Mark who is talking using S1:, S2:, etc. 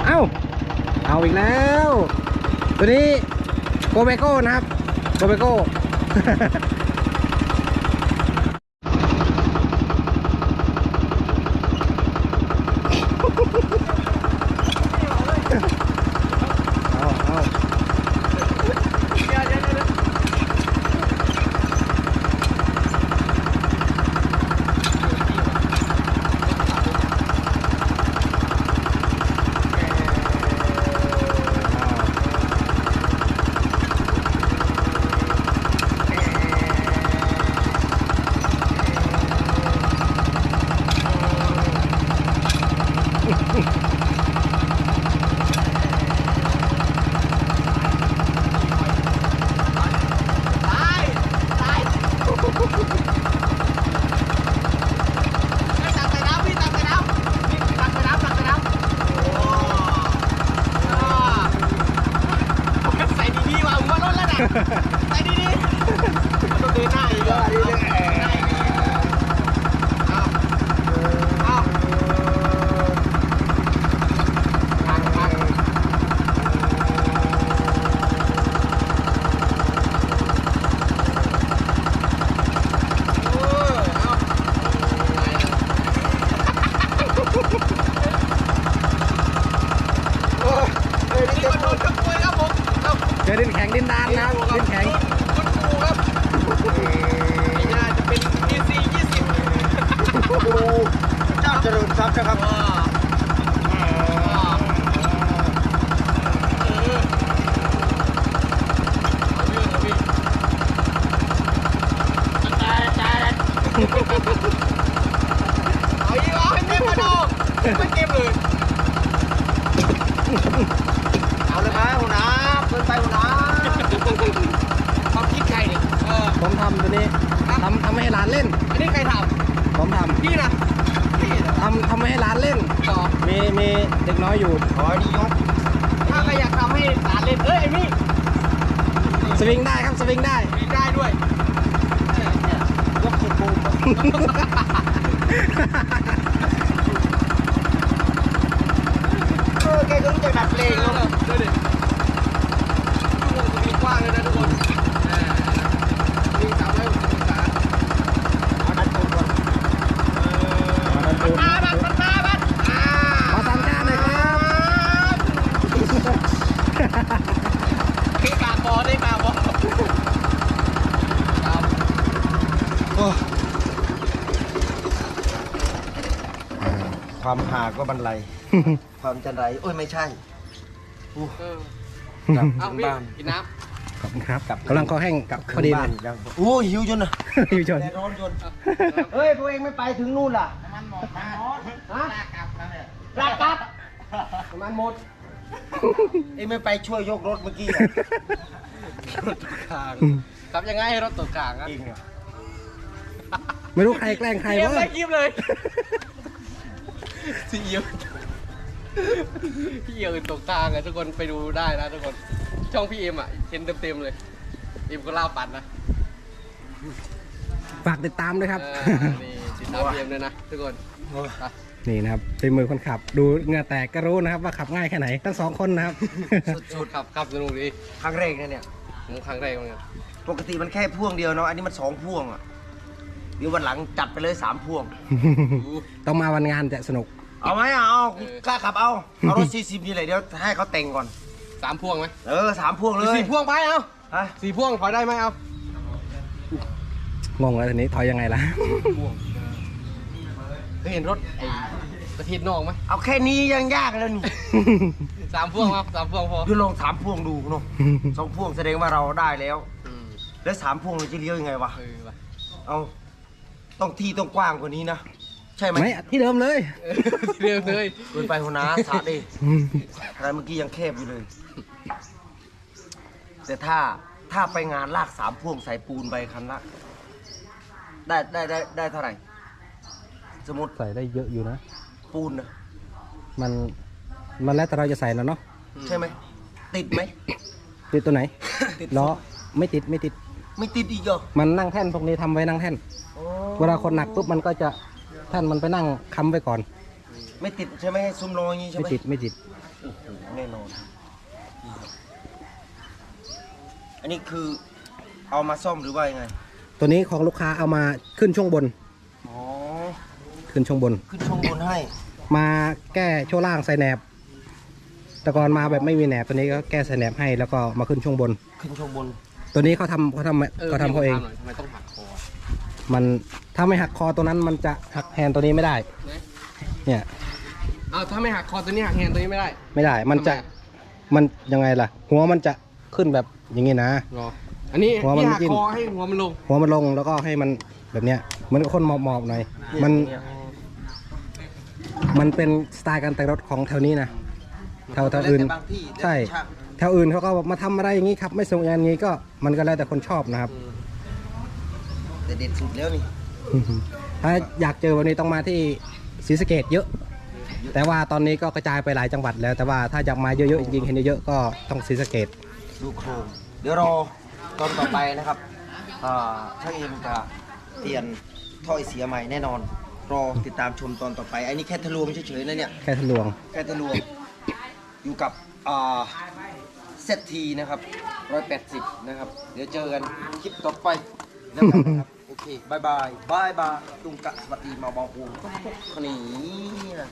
S1: เอ้าเอาอีกแล้วตัวนี้โกเบโก้นะครับโกเบโก้ เอา
S2: ไอ้ดีมันต้องเดินหน้าอีกเหรอเอา
S1: เจอดินแข็งดินดานนะครับดินแข็ง
S2: น่าจะเป็น DC 20
S3: เจ้าเจริญทรัพย์นะครับ
S2: เอาอีกเหรอให้เต็มมาดูไม่เต็มเลย
S3: เอาเลยครับหัวหน้าเกินไปหัวหน้า
S2: ความคิดใครเนี่ย
S1: ผมทำตัวนี้ทำให้ร้านเล่น
S2: อันนี้ใครท
S1: ผมท
S2: ำพี่นะพี่นะ
S1: ำทำให้ร้านเล่น
S2: ต่อ
S1: มีเด็กน้อยอยู่
S3: ขอดียก
S2: ถ้าใครอยากทำให้หลานเล่นเอ้ยไอ้มี่
S1: สวิงได้ครับสวิงได้
S2: มีได้ด้วย
S3: ยกสุดปูแกก็รู้จักดัดเพลงเนาะ
S2: ดูดิชั่วโมงจะมีกว้างเลยนะทุกคนวิ่ง360 องศา
S3: เอาดัดปูก่อน
S2: มันมาบัด
S1: ขอสามชาติหน่อยครับ
S2: พี่กาบอได้กาบอครับ
S3: ความหาก็บรรลัยความจันไรโอ้ยไม่ใช่
S2: กลับ
S3: ถึ
S2: เอา
S3: ง
S2: พี่
S3: บ้าน
S2: กินน้
S1: ขอบคุณครับกำลังคอแห้ง
S3: กลับ
S1: พอดี
S3: บ้า
S1: เล
S3: น
S1: ย
S3: ยังโอ้ยหิวจนนะ
S1: พี่ชน
S3: แดดร้อนจนเฮ้ยพวกเองไม่ไปถึงนู่นล่ะ
S2: ำมันหมดมาฮะลากลับแล้วเนี่ย
S3: ลากกลับน้ำมันหมดเองไม่ไปช่วยยกรถเมื่อกี้อะ
S2: รถตกกลางกลับยังไงให้รถตกกลางอ่ะ
S3: เองอะ
S1: ไม่รู้ใครแกล้งใคร
S2: เตรียม
S1: วะ
S2: เลยคลิปเลยซีเอียวพี่เอียวตกกลางอ่ะทุกคนไปดูได้นะทุกคนช่องพี่เอ็มอ่ะเห็นเต็มๆเลยเอ็มก็ล่าปัดนะ
S1: ฝากติดตามด้วยครับ
S2: นี่ติดตามพี่เอ็มด้วยนะทุกคน
S1: นี่นะครับเป็นมือคนขับ ดูเหงื่อแตกก็รู้นะครับว่าขับง่ายแค่ไหนทั้งสองคนนะครับ
S2: สุดขับสนุกดี
S3: ครั้งแรกนะเนี่ย
S2: ผมครั้งแรกเหมือนกัน
S3: ปกติมันแค่พ่วงเดียวเนาะ อันนี้มัน2พ่วงอ่ะ เดี๋ยววันหลังจัดไปเลย3พ่วง
S1: ต้องมาวันงานจะสนุก
S3: เอาไหมอ่ะเอากล้าขับเอารถ40นี่เลยเดี๋ยวให้เขาแต่งก่อน
S2: 3 พ่วงไหม
S3: 3พ่วงเลย
S2: 4 พ่วงไปเอา
S3: ฮะ
S2: 4 พ่วงถอยได้ไหมเอา
S1: งงแล้วทีนี้ถอยยังไงล่ะ
S2: เคยเห็นรถไอ้ประเทศนอกไหม
S3: เอาแค่นี้ยังยากแล้วนี่
S2: 3 พ่วงครับ3 พ่วงพอ
S3: เดี๋ยวลอง3พ่วงดูเนาะ2พ่วงแสดงว่าเราได้แล้ว
S2: อืม
S3: แล้ว3พ่วงเราจะเลี้ยวยังไงวะ
S2: ว่ะ
S3: เอาต้องที่ต้องกว้างกว่านี้นะ ใช่ไหม
S1: ไม่ที่เดิมเลย
S2: เรียบเลย
S3: เกินไปหัวหน้าสาดดิอะไรเมื่อกี้ยังแคบอยู่เลย แต่ถ้าไปงานลาก3พ่วงใส่ปูนไปคันละได้เท่าไหร่ สมมติ
S1: ใส่ได้เยอะอยู่นะ
S3: ปูนนะ
S1: มันแล้วแต่เราจะใส่แล้วเนาะ
S3: ใช่ไหม ติดไหม
S1: ติดตัวไหน
S3: ติด
S1: ล้อไม่ติด
S3: ไม่ติดอีกเหรอ
S1: มันนั่งแท่นพวกนี้ทำไว้นั่งแท่น
S3: อ๋อ
S1: เวลาคนหนักปุ๊บมันก็จะแท่นมันไปนั่งค้ำไว้ก่อน
S3: ไม่ติดใช่ไหมซุ้มล้ออย่างงี้ใช่ไห
S1: ไม่
S3: ม
S1: ติดไม่ติด
S3: โอ้โหแน่นอนนี่ครับอันนี้คือเอามาซ่อมหรือว่ายังไง
S1: ตัวนี้ของลูกค้าเอามาขึ้นช่วงบน
S3: อ๋อ
S1: ขึ้นช่วงบน
S3: ขึ้นช่วงบนให้
S1: มาแก้ช่วงล่างใส่แหนบ แต่ก่อนมาแบบไม่มีแหนบตัวนี้ก็แก้ใส่แหนบให้แล้วก็มาขึ้นช่วงบน
S3: ขึ้นช่วงบน
S1: ตัวนี้เขาทำเขาเอง
S2: ทำไมต้องหักคอ
S1: มันถ้าไม่หักคอตัวนั้นมันจะหักแฮนด์ตัวนี้ไม่ได้ เนี่ย
S2: เอาถ้าไม่หักคอตัวนี้หักแฮนด์ตัวนี้ไม่ได้
S1: ไม่ได้ มันจะ มันยังไงล่ะ หัวมันจะขึ้นแบบอย่างงี้นะ
S2: รออันนี้
S1: หัวมัน
S2: ที่หัก
S1: จิ้ม
S2: คอให้หัวมันลง
S1: หัวมันลงแล้วก็ให้มันแบบเนี้ยเหมือนกับคนหมอบๆหน่อย มันเป็นสไตล์การแต่งรถของแถวนี้นะแถวอื่น
S3: บางที่
S1: ใช่ แถวอื่นเขาก็มาทำอะไรอย่างนี้ครับ ไม่ส่งอย่างนี้ก็มันก็แล้วแต่คนชอบนะครับ
S3: แต่เด็ดสุดแล้วนี่
S1: ถ้าอยากเจอวันนี้ต้องมาที่ศรีสะเกษเยอะ แต่ว่าตอนนี้ก็กระจายไปหลายจังหวัดแล้ว แต่ว่าถ้าอยากมาเยอะๆจริงๆเห็นเยอะๆก็ต้องศรีสะเกษ
S3: ดูโครงเดี๋ยวรอตอนต่อไปนะครับช่างเอ็มจะเปลี่ยนท่อไอเสียใหม่แน่นอน รอติดตามชมตอนต่อไปอันนี้แค่ทะลวงเฉยๆนะเนี่ย
S1: แค่ทะลวง
S3: แค่ทะลวงอยู่กับเซตทีนะครับ180นะครับเดี๋ยวเจอกันคลิปต่อไปแล้วกันนะครับโอเคบายบายบายบายตุงกะสวัสดีมาบองอูทุกคนนี้นะ